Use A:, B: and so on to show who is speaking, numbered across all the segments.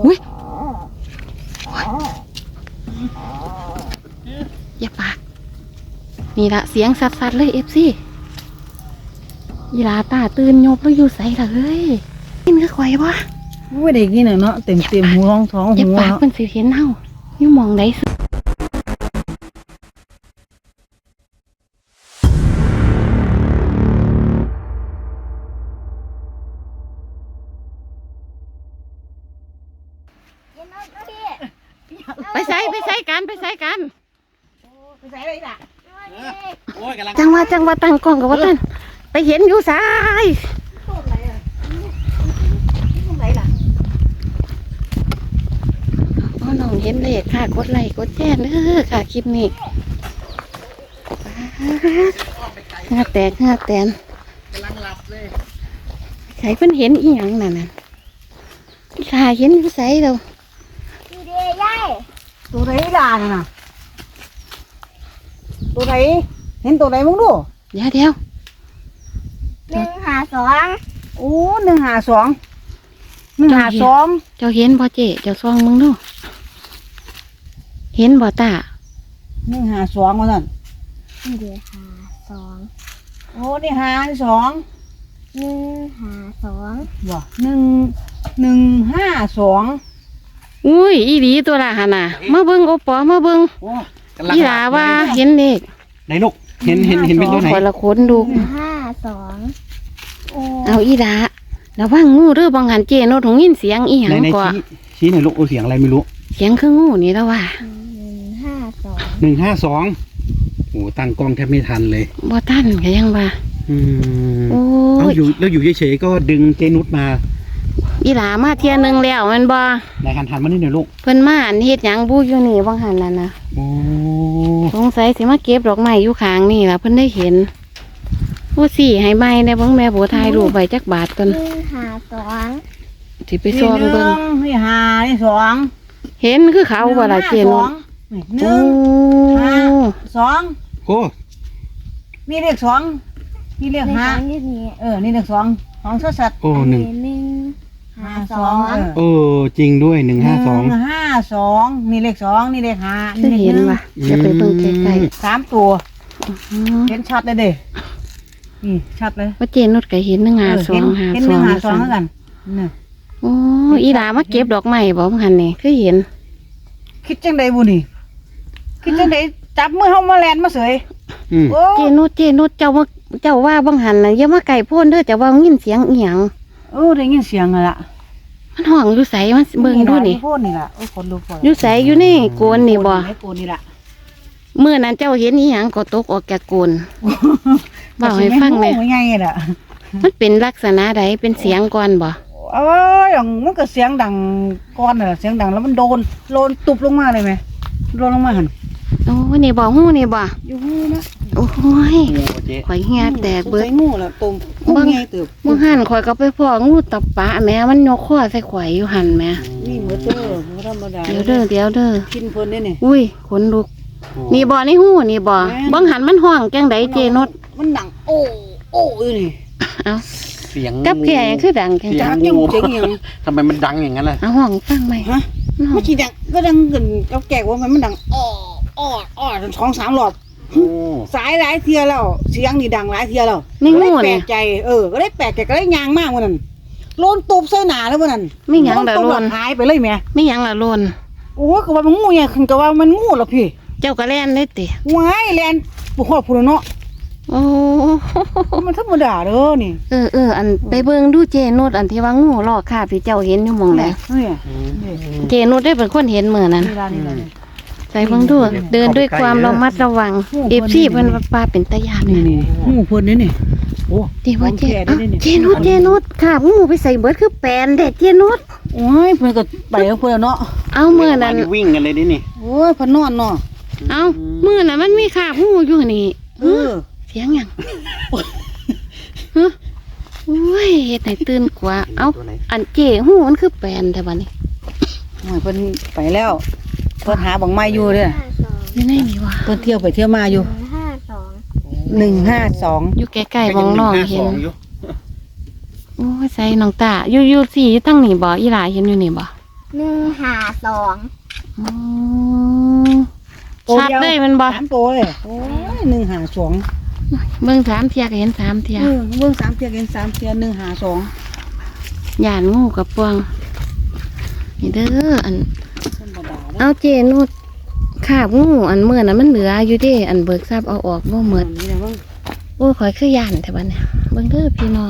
A: อุ้ยอย่าปากนี่ละเสียงสัดๆเลยเอฟซียีราตาตื่นยบแล้วอยู่ใส่ละเฮ้ยกินก็ไข่ปะ
B: ไม่ได้กินเนาะเต็มหูท้อง
A: อย่า
B: หัว
A: ปากมันสิเห็นเฮาอยู่มองไหนสุดไปใส่กันจังว่าตั้งกล้องกับว่าท่านไปเห็นอยู่สายน้องเห็นเลขค่ะกดไลค์กดแชร์เด้อค่ะคลิปนี้เหงื่อแตกกำลังหลับเลยใครเพิ่นเห็นอีหยังนั่นน่ะค่ะเห็นอยู่ไสเรา
B: ดูดิยายตัวไหนล่ะน่ะตัวไหนเห็นตัวไหนมึงดู
A: เดี๋ยว
B: 152โอ้152
A: เจ้าเห็นบ่เจ๊เจ้าซองมึงดูเห็นบ่ตา
B: 152ว่าซั่น
C: เดี๋ยว52
B: โอ้นี่52
C: 152
B: บ่152
A: อุ้ยอีหลีตัวละหั่นน่ะมาเบิ่งโอปอมาเบิ่งอีหลาว่าเห็นเลข
D: ไหนลูกเห็นเป็นตัวไหน
A: คนละคนดู
C: 152
A: เอาอีหลาระวังงูเด้อบางหันเจโนถงยินเสียงอีหยังกว่า
D: ชี้หน่อยลูกเสียงอะไรไม่รู้
A: เสียงคืองูนี่แล้วว่า
D: 152โอ้ตั้งกล้องแทบไม่ทันเลย
A: บ่ทันก็ยังว่าโอ้
D: ยแล้วอยู่เฉยๆก็ดึงเจนุชมา
A: อีหลามาเที่ยนึงแล้วมันบ่
D: นายหันมานี่หน่อยลูก
A: เพิ่นมาอันเฮ็ดหยังบูอยู่นี่บางหันนั่นน่ะ
D: โอ้
A: สงสัยสิมาเก็บดอกไม้อยู่ข้างนี่ล่ะเพิ่นได้เห็นโอ้สิให้ใบได้เบิ่งแม่โบถ่ายรูปไว้จักบาทก่อน
C: 152
A: สิไปซ่อมเบิ่ง
B: นี่2
A: เห็นคือเขาบ่ล่ะเจน
B: 1 5 2
D: โอ้
B: นี่เลข2นี่เลข5นี่เลข2ของสัตว์
D: โอ้152จริงด้วย152
B: นี่เลข2นี่เลข5
A: คือเห็นว่ะจะไปเบิ่งใกล้
B: ๆ3ตัวเห็นชัดเลยเด้นี่ชัดเลย
A: ว่าเจนุชก็เห็น152
B: เห็น152เหมือนกันนี่
A: โอ้อีหลามาเก็บดอกไม้บ่มันนี่คือเห็น
B: คิดจังไดบุนี่คิดจังไดจับมือเฮามาแลนมาเสย
A: เจนุชเจ้าว่าบางหันน่ะอย่ามาไก่โพ่นเด้อเจ้าว่ายินเสียงอีหยัง
B: ได้ยินเสียงล่ะ
A: มันห้องอยู่ไสมันเบิ่งดูนี่
B: โพ่นนี่ล่ะคนลุก
A: อยู่ไสอยู่นี่โกนนี่บ่
B: โกนนี่ล่ะ
A: มื้อนั้นเจ้าเห็นอีหยังก็ตกออกจากโกนเว้าให้ฟังแม่
B: ไงล่ะ
A: มันเป็นลักษณะใดเป็นเสียงก่อนบ่
B: อย่างมันก็เสียงดังก้อนน่ะเสียงดังแล้วมันโดนตุบลงมาเลยไหมโดนลงมาหัน
A: โอ้นี่บ่หูนี่บ่
B: อยู่หูนะ
A: โอ้ยข่อยเหี่ยแตกเบิด
B: งูล่ะตุ่มงูใหญ่ตึบ
A: มึงหันข่อยก็ไปพ้องูตับปะแม่มันยกคอใส่ข่อยอยู่หันแม่
B: นี่เหมือนเด้อบ่ธรรมดา
A: เดี๋ยวเด้อ
B: กินเพิ่นนี่
A: อุ้ยขนลุกนี่บ่ในหูนี่บ่บังหันมันห้องจังไดเจนุช
B: มันดังโอ้อยู่นี่
A: เอ้า
D: เสียง
A: กับแก่คือดังจัง
B: งูเจ๋งหยัง
D: ทำไมมันดังอย่างนั้นล่ะ
A: เอาห้องฟังไหม
B: ฮะไม่ใช่ดังก็ดังเกินกับแก่ว่ามันดังจน2-3 รอบสายหลายเทียแล้วเสียงนี่ดังหลายเทียแล้ว
A: ไม่งู
B: แปลกใจก็ได้แปลกใจก็ได้ยางมากวันนั้นโลนตูบใส่หนาแล้ววันนั้น
A: ไม่ยังละโลน
B: หายไปเลยแม่
A: ไม่ยังละโลน
B: โอ้ก็ว่ามันงูเนี่ยคือก็ว่ามันงูหรอพี่
A: เจ้าก็แล่นได้ติ
B: ว้ายแล่นปวดพูดเนาะ
A: โอ้
B: มันธรรมดาเด้อนี่
A: อันไปเบิ่งดูเจนุชอันที่ว่างูลอกคาบที่เจ้าเห็นอยู่หม่องใดเจนุชได้เป็นคนเห็นมื้อนั้นใส่เบิ่งดูเดินด้วยความระมัดระวังFCเพิ่นว่าปลาเป็นตาย่าน
B: นี่งูเพิ่นนี่โอ้
A: ที่ว่าเจนุชคาบงูไปใส่เบิดคือแปลนเด็ดเจนุช
B: โอ้ยเพิ่นก็ไปกับเพิ่นเนาะ
A: เอามื้อนั้น
D: วิ่งกันเลยนี่
B: โอ้ยเพิ่นนอนเนาะ
A: เอามื้อนั้นมันมีคาบงูอยู่นี่เสียงหยังโอ้ยเฮ็ดให้ตื่นกว่าเอาอันเจ๋หูมันคือแปลนแต่บัดนี้
B: เพิ่นไปแล้วเพิ่นหาบังไม้อยู่เด้อ
A: อยู่ไหนนี่วะ
B: เพิ่นเที่ยวไปเที่ยวมาอยู่152
A: อยู่ใกล้ๆมองน้องเห็นโอ้ยใส่น้องตาอยู่4อยู่ตั้งนี่บ่อีหลาเห็นอยู่นี่บ่
C: 152
A: อ๋อชัดเลยมันบ่
B: 3 ตัวเลยโอ้ย152
A: เบิ่ง3เที่ยก็เห็น3เที่ย
B: เบิ่ง3เที่ยเห็น3เที่ย152
A: ย่านงูกับปวงนี่เด้ออัน
B: ธรรมดา
A: เอาเจนุดขาบงูอันเมื่อนั้นมันเหลืออยู่เด้อันเบิกทราบเอาออกบ่หมด
B: นี่แหละว่า
A: โอ้ยข่อยคือย่านแต่บัดเนี่ยเบิ่งเด้อพี่น้อง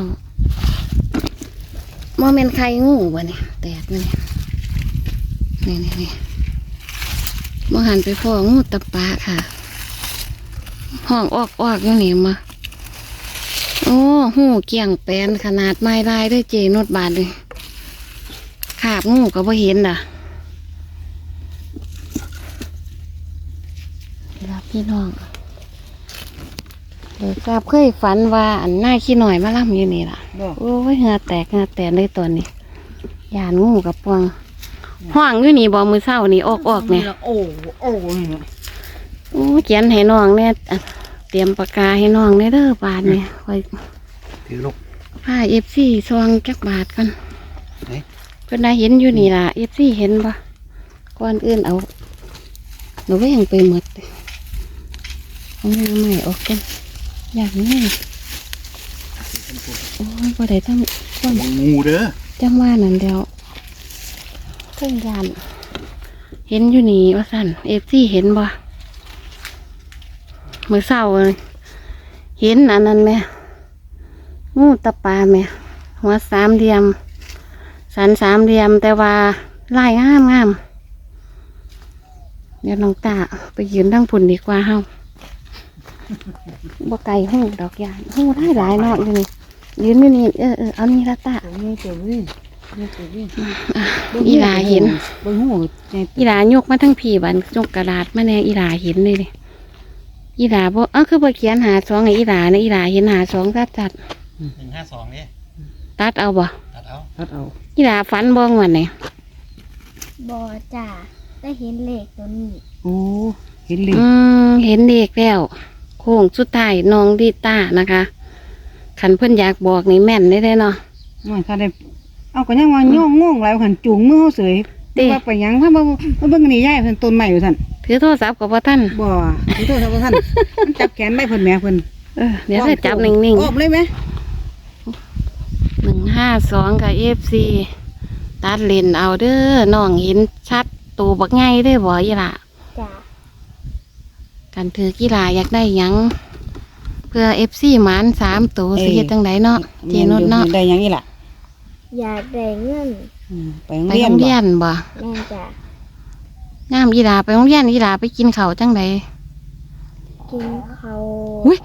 A: บ่แม่นไข่งูบ่เนี่ยแตกนี่บ่หันไปพ้องูตะปาค่ะห้องออกอยู่นี่มาโอ้หูเกี่ยงแปนขนาดไม้ลายด้วยเจนุดบาดเลยขาบงูก็บ่เห็นน่ะรับพี่น้องเดี๋ยวทราบเคยฝันว่าอันหน้าขี้หน่อยมาล่ำอยู่นี่ล่ะ
B: บ่
A: โอ้ยเหงาแตกเลยตัวนี้ยานงูกับปวงห้องอยู่นี่บ่มือเศร้านี่ออกเนี่ย
B: โอ้นี่นะ
A: โอ้เขียนให้น้องเนี่ยอ่ะเตรียมปากกาให้น้องเนี่ยเด้อบาทเนี่ยคอย
D: ถือลูก
A: ผ้าFC ซองจักบาทกัน
D: ไหน
A: เพิ่นได้เห็นอยู่นี่ล่ะFC เห็นปะก่อนอื่นเอาหนูก็ยังไปหมดเอาหน้าใหม่ออกกันอย่างนี้โอ้ยบ่ได้ต้องต้น
D: งูเด้อ
A: จังว่านั่นเดียวเครื่องยานเห็นอยู่นี่ว่าสั่นFC เห็นบ่มื้อเช้าเลยเห็นอันนั้นไหมงูตะปาไหมหัว3 เหลี่ยมสัน3 เหลี่ยมแต่ว่าลายงามเดี๋ยวน้องตาไปยืนทั้งพุ่นดีกว่าเฮาบ่ไกลหูดอกยานหูได้หลายเนาะอยู่นี่ยืนอยู่นี่เอานี่ละตา
B: ตัวนี้ตัวนี้นี่ตัวนี้
A: อีหลาเห็น
B: เบิ่งหูใจ
A: อีหลายกมาทั้งผีบันยกกระดาษมาแน่อีหลาเห็นเลยดิอีหลาบ่คือบ่เขียนหา2ไงอีหลาเนี่ยอีหลาเห็นหา2ตัด
D: 152นี่
A: ตัดเอาบ่
D: ตัดเอา
B: พัดเอา
A: อีหลาฝันบ่งวันไหน
C: บ่จ้าได้เห็นเลขตัวนี้
B: โอ้เห็นเลย
A: เห็นเด็กแล้วโค้งสุดท้ายน้องดีต้านะคะขันเพิ่นอยากบอกนี่แม่นได้เนาะ
B: มันถ้าได้เอาก็ยังว่าย่องงหลายหันจูงมือเฮาเสย
A: เด้
B: ว่าไปหยังถ้าบ่เบิ่งนี่ยายเพิ่นต้นใหม่อยู่ซั่น
A: ถือโทรศัพท์กับพ่อท่าน
B: บ่ขอโทษครับท่านมันจับแขนได้เพิ่นแหม่เพิ่น
A: เดี๋ยวจะจับนิ่ง
B: ออกเลยไหม
A: ๆ152กับ FC ตัดเลนเอาเด้อน้องเห็นชัดตัวบักไงได้อบ่อีหล่ะ
C: จ้า
A: กันถือกีฬาอยากได้หยัง เพื่อ FC หมาน3ตัวสิเฮ็ดจังไดเนาะเจนุชเนาะ
B: ได้หยังอีหล่ะ
C: อยากได้เงิน
B: ไปโรง
A: ไป
B: เรีย
A: โร
B: น
A: งเรียนบ่
C: แม่จ้า
A: งามอีหลาไปโรงเรียนอีหลาไปกินข้าวจังได
C: กินเขาว
A: อุ๊ย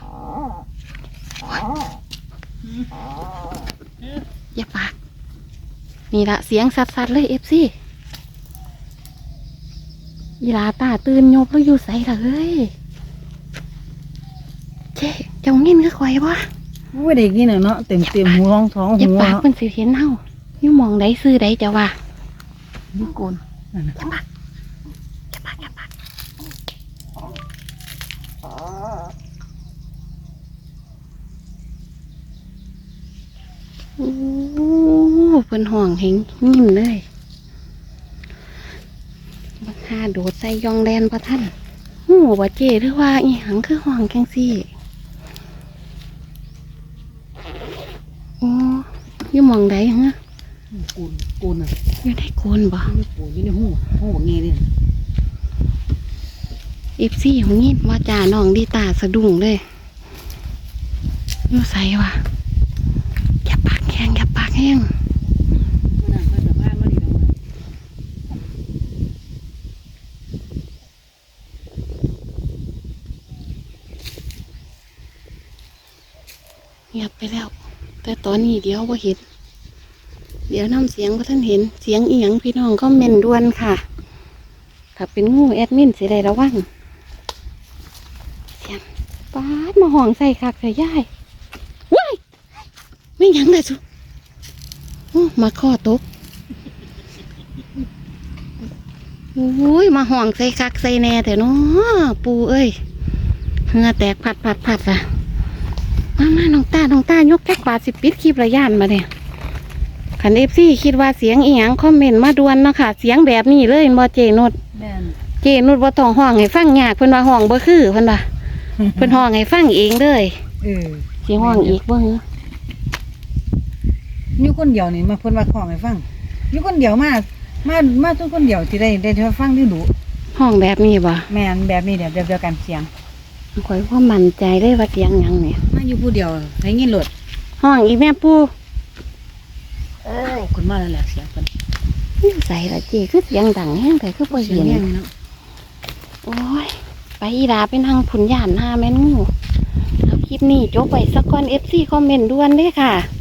A: อย่าปากนี่ละเสียงสัดๆเลย FC อีหลาตาตื่นยบแล้วอยู่ใส่ละเฮ้ยเจ๊เจ้าเงินก็ข่อยบ่
B: โอ้ยเด็กนี่น่ะเนาะเต็มหัวท้อง
A: อย่า
B: หัว
A: ปาก
B: เนาะ
A: เพิ่นสิเห็นเฮาอยู่หมองใดซื้อใดจะว่า
B: นี่โกนนั่นน่ะ
A: อย่าปากโอ้เพิ่นห่องเฮงยิ้มเลยบักหาโดดใส่ยองแดนพระท่านหูบ่เจหรือว่าอีหังคือห่องจังซี่โอ้อยู่หมองใดฮะ
B: โกนน่ะ
A: อยู่ได้โกนบ่
B: นี่โกนอยู่ในหูบักงี้นี่
A: FC ของยินว่าจ่าน้องดีตาสะดุ้งเลยอยู่ใส่วะอย่าปากแห้งอย่าปากแห้ง
B: นั่นมาจากบ้านมานี่แล้ว
A: เงียบไปแล้ว แต่ตอนนี้เดี๋ยวบ่เห็น เดี๋ยวน้ำเสียงบ่ท่านเห็นเสียงอีหยังพี่น้องก็เมนด่วนค่ะ ถ้าเป็นงูแอดมินสิได้ระวังเสียงป๊าดมาห้องใส่คักใส่ย่ายว้ายไม่หยังเลยสุมาข้อตกโอ้ยมาห้องใส่คักใส่แน่แต่เนาะปูเอ้ยเหงื่อแตกผัดอ่ะมาน้องตายกแก๊กบาทสิปิดคลิประยานมาเนี่ยคัน FC คิดว่าเสียงอีหยังคอมเมนต์มาด่วนเนาะค่ะเสียงแบบนี้เลยบ่เจนุช
B: แม่น
A: เจนุชบ่ต้องห้องให้ฟังยากเพิ่นว่าห้องบ่คือเพิ่นว่าเพิ่นห้องให้ฟังเองเลย
B: เออ
A: สิห้องอีกบ่หือ
B: อยู่คนเดียวนี่มาเพิ่นว่าของให้ฟังอยู่คนเดียวมาทุกคนเดียวที่ได้ฟังได้ดู
A: ห้องแบบนี้บ่
B: แม่นแบบนี้เดี๋ยวเดียวกันเสียง
A: ข่อยบ่มั่นใจเลยว่าเสียงหยังเนี่ย
B: มาอยู่ผู้เดียวได้ยินโลด
A: ห้องอีแม่ปู่
B: คนมาแล้วแหละเสียงเพิ่น
A: อยู่ใส่ละเจคือเสียงดังแฮงแต่คือบ่
B: เสีย
A: เห็
B: ง
A: น
B: แห้งเนาะ
A: โอ้ยไปอีดาไปนั่งผุนย่านหาแม่นงูเอาคลิปนี้จบไว้สักก่อน FC คอมเมนต์ด่วนเด้อค่ะ